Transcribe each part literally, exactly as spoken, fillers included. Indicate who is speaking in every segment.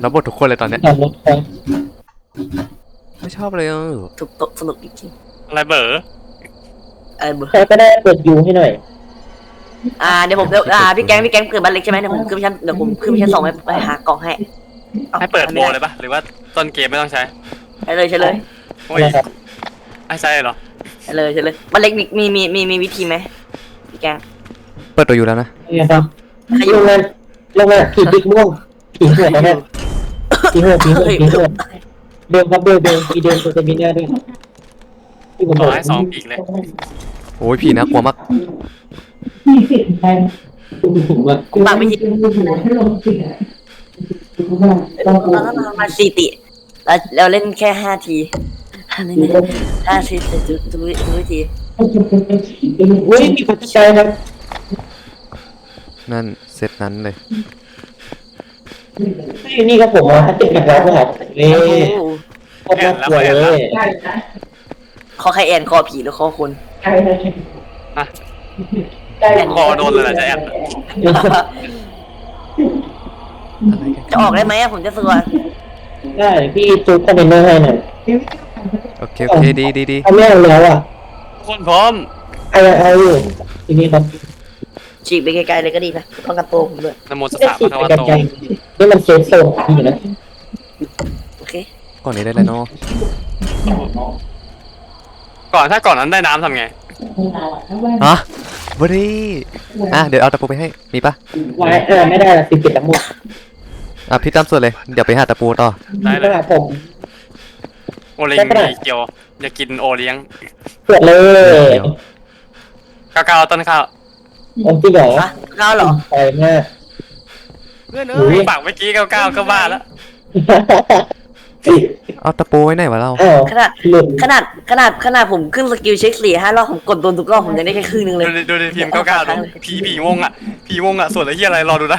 Speaker 1: รับบททุกคนเลยตอนเนี้ย
Speaker 2: ขับรถไป
Speaker 1: ไม่ชอบเลยเออ
Speaker 3: ทุกโต๊ะสนุกจริง
Speaker 4: อะไรเบอร์
Speaker 3: ๆอะไรเบอร์
Speaker 2: ใครก็ได้เปิดยูให้หน่อย
Speaker 3: อ่าเดี๋ยวผมเดี๋ยวอ่าพี่แก๊งพี่แก๊งเกิดบ้านเล็กใช่ไหมเดี๋ยวผมขึ้นไปชั้นเดี๋ยวผมขึ้นไปชั้นสองไปไปหากล่องให้อา
Speaker 4: ให้เปิดโบ
Speaker 3: ไม่
Speaker 4: เลยปะหรือว่าต้นเกมไม่ต้องใช้
Speaker 3: ใช่เลยใช่เลย
Speaker 4: โอ้ยไอ้ใช่เหรอ
Speaker 3: ใช่เลยใช่เลยบ้านเล็กมีมีมีมีมีวิธีไหมพี่แก๊ง
Speaker 1: เปิดตัวอยู่แล้วนะ
Speaker 2: นี่ครับ
Speaker 3: ใครอยู่
Speaker 2: ลงงานลงงานผีดิกม่วงผีหัวนะเนี่ยผีหัวผีหัวผีหัวเบลครับเบลเบลผีเดลตัวจะมีหน้าด้วยที่ผม
Speaker 4: ข
Speaker 2: บอ
Speaker 4: อก ให้สองปีกเลย
Speaker 1: โอ้ยผีน่ากลัวมาก
Speaker 5: มีสิทธิ์ไป
Speaker 2: ผมว่า
Speaker 3: กูปากไม่ยิง
Speaker 5: ให้ลงสิทธิ์
Speaker 3: ตอนนั้นเรามาสี่ติแล้วเราเล่นแค่ห้าทีห้าทีห้าทีแต่ทุกทุกทุกวิธี
Speaker 2: เฮ้ยมีปัจจัยครับ
Speaker 1: นั่นเซตนั้นเลย
Speaker 2: นี่ครับผมมาติดกับเราครับเฮ้ย
Speaker 3: โอ้
Speaker 2: โคตรน่ากลัวเลย
Speaker 5: ได้นะ
Speaker 3: คอใครแอนคอผีหรือคอคน
Speaker 5: ใช่เลย
Speaker 4: อะ
Speaker 5: ได้
Speaker 4: คอโดนเลยเหรอจะแอบ
Speaker 1: อะไรกัน
Speaker 3: จะออกได้ไหมผมจะสวด
Speaker 2: ได้พี่จูคอมเมนเนอร์ให้หน่อย
Speaker 1: โอเคโอเคดีดีดี
Speaker 2: เขาไม่เอาแล้วอ่ะ
Speaker 4: ทุกคนพร้อม
Speaker 2: เอาเอาอยู่ทีนี้ครับ
Speaker 3: ฉีกไปไกลๆเลยก็ดีนะป้องกันตัวผมด้วย
Speaker 4: นโมส
Speaker 2: ไม่
Speaker 4: สะ
Speaker 2: ติ
Speaker 4: พะ
Speaker 2: ด
Speaker 4: คะ
Speaker 2: ไป
Speaker 4: วะ
Speaker 2: กัน
Speaker 4: โต
Speaker 2: ใจนี่มันเซฟโซนอยู่นะ
Speaker 3: โอเค
Speaker 1: ก่อนนี้ได้เลยเนาะ
Speaker 4: ก่อนถ้าก่อนนั้นได้น้ำทำไง
Speaker 1: ฮะบรีอ่ะเดี๋ยวเอาตะปูไปให้มีปะ
Speaker 2: ไว้เออไม่ได้ละติดติดทั้งหมด
Speaker 1: อ่ะพี่ตามส่วนเลยเดี๋ยวไปหาตะปูต่อ
Speaker 4: ได้เล
Speaker 2: ก็
Speaker 4: ย
Speaker 2: หาผม
Speaker 4: โอเลี้ยงมีเกียวอยากกินโอเลี้ยง
Speaker 2: เปิดเลย
Speaker 4: ก้าวๆต้นข้าว
Speaker 2: ผมจริงเหรอ
Speaker 3: ฮะก้าวเหรอ
Speaker 2: ไปมาก
Speaker 1: เพื่อนเอ้ย
Speaker 4: ปากเมื่อกี้ก้าวๆก็บ้าแล้ว
Speaker 1: เอาตะปูไว้ไหนวะเรา
Speaker 2: อ้าว
Speaker 3: ขนาด
Speaker 2: หลุด
Speaker 3: ขนาดขนาดขนาดผมขึ้นสกิลเช็คสี่ห้ารอบผมกดโดนทุกรอบผมยังได้แค่ครึ่งนึงเลย
Speaker 4: ดูดิดูดิพิมพ์ก้าวๆดูผีผีวงอ่ะผีวงอ่ะส่วนอะไรที่อะไรรอดูนะ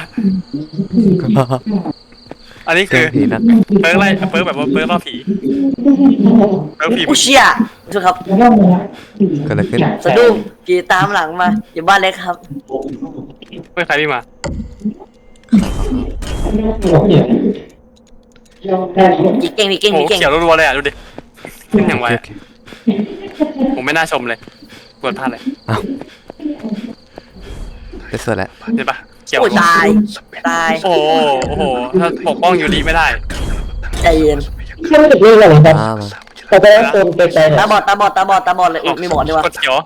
Speaker 4: อันนี้
Speaker 1: เครื่
Speaker 4: คือ อง
Speaker 1: ผีนัก
Speaker 4: เปิร์กอะไรเปิร์กแบบว่าเปิร์กล่อผีเปิร์กผี
Speaker 3: อุยเชียถูกครับ
Speaker 1: เกิดอะไรขึ้น
Speaker 3: สะดุ้งผีตามหลังมาอยู่บ้านเล็กครับ
Speaker 4: เปิร์กใครพี่มา
Speaker 3: ผีเก่งผีเก่ง
Speaker 4: โอ้
Speaker 3: ผีเก่ง
Speaker 4: เขียวรัวๆเลยอ่ะดูดิขึ้นอย่าง
Speaker 1: โอ
Speaker 4: ไว
Speaker 1: เค
Speaker 4: อะ
Speaker 1: โอเค
Speaker 4: ผมไม่น่าชมเลยกดพลาดเลย
Speaker 1: ได้ส่วนแล้ว
Speaker 4: เห็นปะเขียว
Speaker 3: โอ้ยตายตาย
Speaker 4: โอ้โหโอ้โหถ้าปกป้องยูริไม่ได้
Speaker 3: ใจเย็น
Speaker 2: แค่ไม่ติดเรื่องอะไรครับ
Speaker 1: มามา
Speaker 2: เขาไปโซนไกลๆหน่
Speaker 3: ตา
Speaker 2: อย
Speaker 3: บอดตาบอดตาบอดตาบอดเลยอุ๊ยมีบอดด้วยวะ
Speaker 4: กดเขียว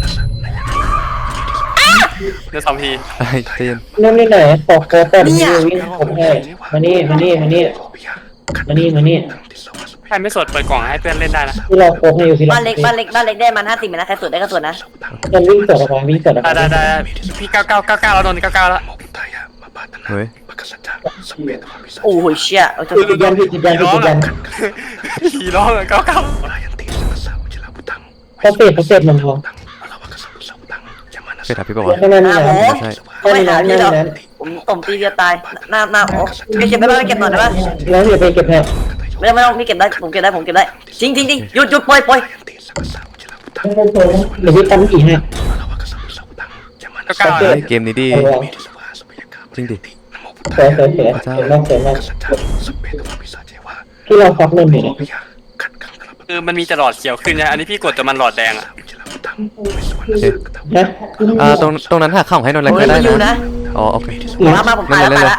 Speaker 4: เดี๋ยวสองที
Speaker 1: ไอ้เตียน
Speaker 2: นั่นนี่ไหนปอกโกแต่นี่วิ่งผมให้มานี่มานี่มานี่มานี่มานี่
Speaker 4: ใครไม่สดเปิดกล่องให้เพื่อนเล่นได้นะ
Speaker 2: ที่เราโกให้อยู่ที่
Speaker 3: บ้านเล็กบ้านเล็กบ้านเล็กได้มันห้าสิบนะใครสวดได้ก็สวดนะ
Speaker 2: มันวิ่งสวนออกมาวิ่งสวนออก
Speaker 4: ได้
Speaker 2: มา
Speaker 4: ได้ได้พี่เก้าเก้าเก้าเก้าแล้วโดนเก้าเก้าแล้ว
Speaker 1: เฮ้ย
Speaker 3: โอ้โหเชี่ยเอาจะ
Speaker 2: ติดยันติดยัน
Speaker 4: ผีร้อง
Speaker 2: ติดยั
Speaker 4: อ่ะ
Speaker 2: น
Speaker 4: ผีร้องอ่ะเก้าเก้า
Speaker 2: เขาเสพเขาเสพมันพอ
Speaker 1: เป็นอภิบาลวะ
Speaker 2: แค่นั้น
Speaker 3: อ่า
Speaker 2: นะ
Speaker 3: โห
Speaker 1: ใช่
Speaker 3: เขาไม่หาพี่หรอกผมตบตีเดียวตายหน้าหน้าโอ้เก็บไปบ้างเก็บหน่อยได้ปะ
Speaker 2: แล้วเดี๋ยวไปเก็บแผล
Speaker 3: ไม่ต้องไม่ต้องนี่เก็บได้ผมเก็บได้ผมเก็บได้จริงจริงจริงหยุดหยุดปล่อยปล่อย
Speaker 2: เดี๋ยวพี่ตั้มผีให้
Speaker 4: เก้าเก้า
Speaker 1: เฮ้ยเกมนี้ดีจริงดิ
Speaker 2: เสือเสือเสือเสือมากเสือมากที่เราฟักเงินอยู่นะ
Speaker 4: คือมันมีแต่หลอดเขียวขึ้นนะอันนี้พี่กดแต่มันหลอดแดงอ่ะ
Speaker 1: โอเค
Speaker 2: นะ
Speaker 1: อ่าตรงตรงนั้นหาข้าวให้นนท์อะไร
Speaker 3: โอ้
Speaker 1: ก็
Speaker 3: ย
Speaker 1: ได้
Speaker 3: มันอยู่
Speaker 1: นะ
Speaker 3: นะ
Speaker 1: อ๋อโอเค
Speaker 3: มามาผมตายแล้วตายแล้ว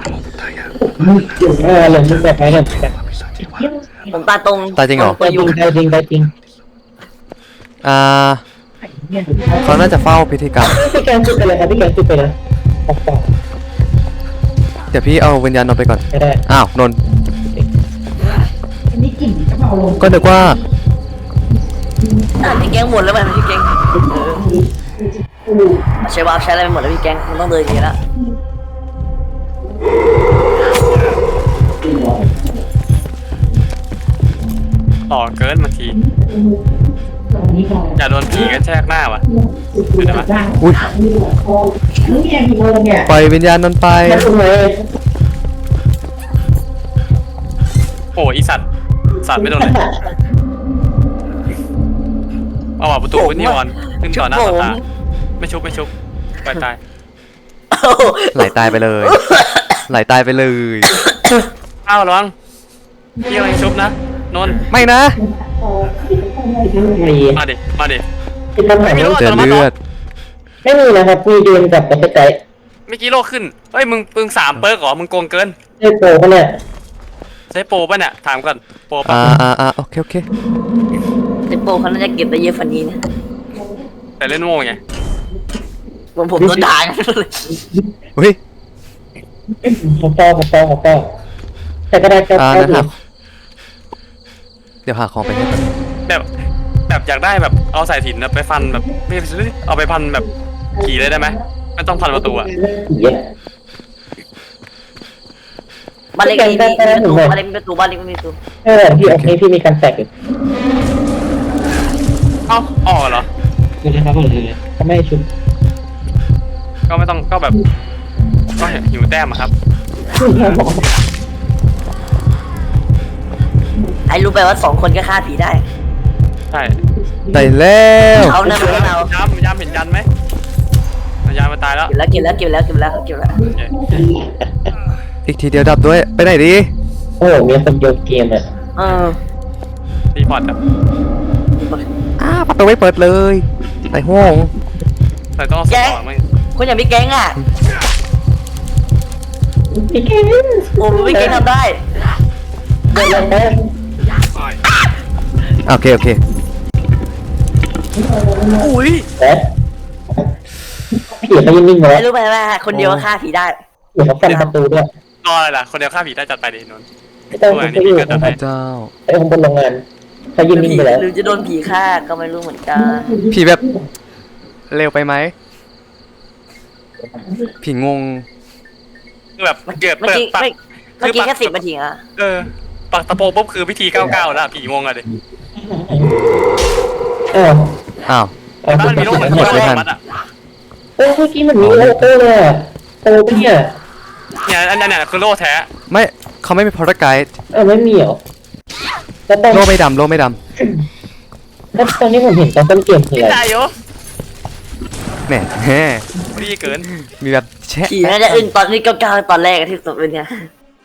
Speaker 2: เออเหลือมึงแบบไหนเนี่ย
Speaker 3: ผมตายตรง
Speaker 1: ตายจริงเหรอ
Speaker 2: ไปจริงไปจริงไปจริง
Speaker 1: อ่าเขาน่าจะเฝ้าพิธีกรรม
Speaker 2: พี่แกนจุดไปเลยครับพี่แกนจุดไปเลยปอกปอก
Speaker 1: เดี๋ยวพี่เอาวิญญาณนนท์ไปก่อน
Speaker 2: ไม่ได้
Speaker 1: อ้าวนนท์
Speaker 5: อันนี้กลิ่นกระเพราลง
Speaker 1: ก็นึกว่า
Speaker 3: อ่ะพี่แกงหมดแล้วมันพี่แกงใช้วาร์ปใช้อะไรไปหมดแล้วพี่แกงมันต้องเดินอย่างนี้ละ
Speaker 4: ต่อเกินบางที
Speaker 5: ตรงนี้ก่อน
Speaker 4: อย่าโดนผีกระแทกหน้าว่ะ
Speaker 5: อุ้ยนี่ไงกี่โมงเนี่ย
Speaker 1: ปล่อยวิญญาณนนท์ไป
Speaker 2: แค่ตรงไหน
Speaker 4: โอ้อีสัตว์สัตว์ไม่โดนเลยเอาว่ะประตูขึ้นนี่ออนขึ้นต่อหน้าต่อตาไม่ชุบไม่ชุบปล่อยตาย
Speaker 3: โอ้โห
Speaker 1: ไหลตายไปเลย ไหลตายไปเลย
Speaker 4: อ่ะอ้าวระวังพี่กำลังชุบนะนนท์
Speaker 1: ไม่นะ
Speaker 2: มี
Speaker 4: มาดิมาดิ
Speaker 2: ที่ตั้งหลัง
Speaker 4: ไม่รู้
Speaker 1: เจอเลือด
Speaker 2: ไม่มีนะครับมีเดินกลับไปใกล้
Speaker 4: เมื่อกี้โลขึ้นเฮ้ยมึงมึงสามเปิร์กเหรอมึงโกงเกิน
Speaker 2: ๆได้โปรปะเนี่ย
Speaker 4: ใช้โปรป่ะเนี่ยถามก่อนโปรป่ะ
Speaker 1: อ่าอ่าอ่าโอเคโอเค
Speaker 3: แต่โปรเขาน่าจะเก็บได้เยอะฝันนี้นะ
Speaker 4: แต่เล่นโง่ไง
Speaker 3: ผมผมโดนด่า
Speaker 1: เฮ้ย
Speaker 2: ผมต่อผมต่อผมต่อแต่ก็ได้ก็
Speaker 1: อ่า
Speaker 2: ได้
Speaker 1: นะครับเดี๋ยวหาของไปให้ก่อน
Speaker 4: แบบแบบอยากได้แบบเอาสายสิญจนไปฟันแบบไม่เอาไปพันแบบขี่เลยได้ไหมไม่ต้องพันประตูอะ
Speaker 2: ผีอะ
Speaker 3: บ้านเล็กมีมีประตูบ้านเล็กมีประตูบ้านเล็กมีประตู
Speaker 2: เออพี่โอเคพี่มีการแตกอยู่
Speaker 4: เอ้าออกเหรอ
Speaker 2: คือนะครับผมเลยเขาไม่ให้ชุบ
Speaker 4: ก็ไม่ต้องก็แบบก็หิวแต้มอะครับ
Speaker 3: ไอ้รู้ไปว่าสองคนก็ฆ่าผีได้
Speaker 4: ใช่
Speaker 1: ได้แล้ว
Speaker 3: เอานะไม่เอา
Speaker 4: ย้ำย้ำเห็นยันไหมยันมาตายแล้ว
Speaker 3: เก็บแล้วเก็บแล้วเก็บแล้วเก็บแล้วเก็บแล้ว
Speaker 4: โอเค
Speaker 1: อีกทีเดียวดับด้วยไปไหนดี
Speaker 2: โอ้มีคนโยนเกมอ่ะ
Speaker 3: เออ
Speaker 4: รีพอร์ตอะ
Speaker 1: อ้าประตูไม่เปิดเลยในห้อง
Speaker 4: แต่ต้องเอาสมองมั้ง
Speaker 3: คุณอย่าพี่แก๊งอ่ะ
Speaker 2: พี่เกม
Speaker 3: โอ้พี่แก๊งทำได้
Speaker 2: เดินเลยนะ
Speaker 1: โอเคโอเค
Speaker 3: อุ้ย
Speaker 2: นะผีเขายังนิ่งไว้
Speaker 3: ไอ้รู้ไหมว่าคนเดียวฆ่าผีได้
Speaker 2: ผีเขาฟันประตูด้วย
Speaker 4: รออะไรล่ะคนเดียวฆ่าผีได้จัดไปดินนท์
Speaker 2: ไม่ต้องไปอยู่
Speaker 1: พระเจ้า
Speaker 2: ไอ้คนบนโรงงานเขายืนนิ่ง
Speaker 3: ผี
Speaker 2: ไปแล้ว
Speaker 3: หรือจะโดนผีฆ่าก็ไม่รู้เหมือนกัน
Speaker 1: ผีแบบเร็วไปไหมผีงง
Speaker 4: คือแบบเกิด
Speaker 3: เมื่อ
Speaker 4: เปิด
Speaker 3: กี้
Speaker 4: ปัก
Speaker 3: เมื่อกี้แค่สิบนาทีอ่ะ
Speaker 4: เออปักตะโพปุ๊บคือพิธีเก้าเก้าแล้วผีงงอะดิ
Speaker 2: เออ
Speaker 1: อ้าว
Speaker 2: เอา
Speaker 4: บ้านมันมีโลกเหมือน
Speaker 1: หมดไม่ทัน
Speaker 4: มัดอะ
Speaker 2: โอ้เมื่อกี้มันมีโลโก้เลยอะโอ้ปะเนี่ย
Speaker 4: เนี่ยอันนั้นเนี่ยคือโล่แท้
Speaker 1: ไม่เขาไม่มีพอร์ตไกด์
Speaker 2: เออไม่มีเหรอแล้วตอน
Speaker 1: โลไม่ดำโลไม่ด
Speaker 2: แล้วตอนนี้ผมเห็นตอนต้นเกมคือ
Speaker 4: พี่
Speaker 2: อะไร
Speaker 4: ตายอยู่
Speaker 1: ำแหมแหม
Speaker 4: ดีเกิน
Speaker 1: มีแบบแชะ
Speaker 3: ผีน่าจะอึ้งตอนที่เก้าเก้าตอนแรกที่สุดเลยเนี่ย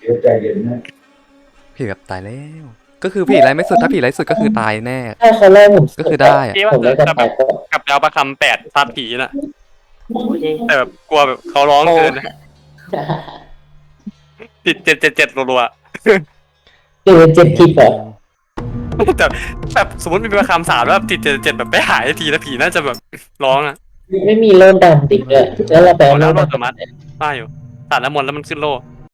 Speaker 1: ผีแบบตายแล้ว ก็คือผีไรไม่สุดถ้าผีไรสุดก็คือตายแน่
Speaker 2: ถ้าเขาไล่ผม
Speaker 1: ก็คือได้อะ
Speaker 4: พี่ว่า
Speaker 2: ผม
Speaker 4: จะ
Speaker 2: ไล่กัน
Speaker 4: จะแบ
Speaker 2: ตาย
Speaker 4: บ
Speaker 2: ก็
Speaker 4: กลับไปเอาประคำแปดซัดผีน่ะ
Speaker 3: โอ้ย
Speaker 4: แต่แบบกลัวแบบเขาร้องเกินนะติดเจ็ดเจ็ดเจ็ดรัว
Speaker 2: เจอเจ็ดทิปเหรอ
Speaker 4: ๆแต่แบบสมมติมีประคำสามแล้วแบบติดเจ็ดเจ็ดแบบไม่หายทีแล้วผีน่าจะแบบร้องอะ
Speaker 2: ไม่มีโล่ดำติดเลยแล้วเราไป
Speaker 4: โอ้
Speaker 2: เอา
Speaker 4: แล้ว
Speaker 2: โล่
Speaker 4: โล
Speaker 2: ดำ
Speaker 4: ตมัดป้าอยู่ตัดน้ำมนต์แล้วมันขึ้นโล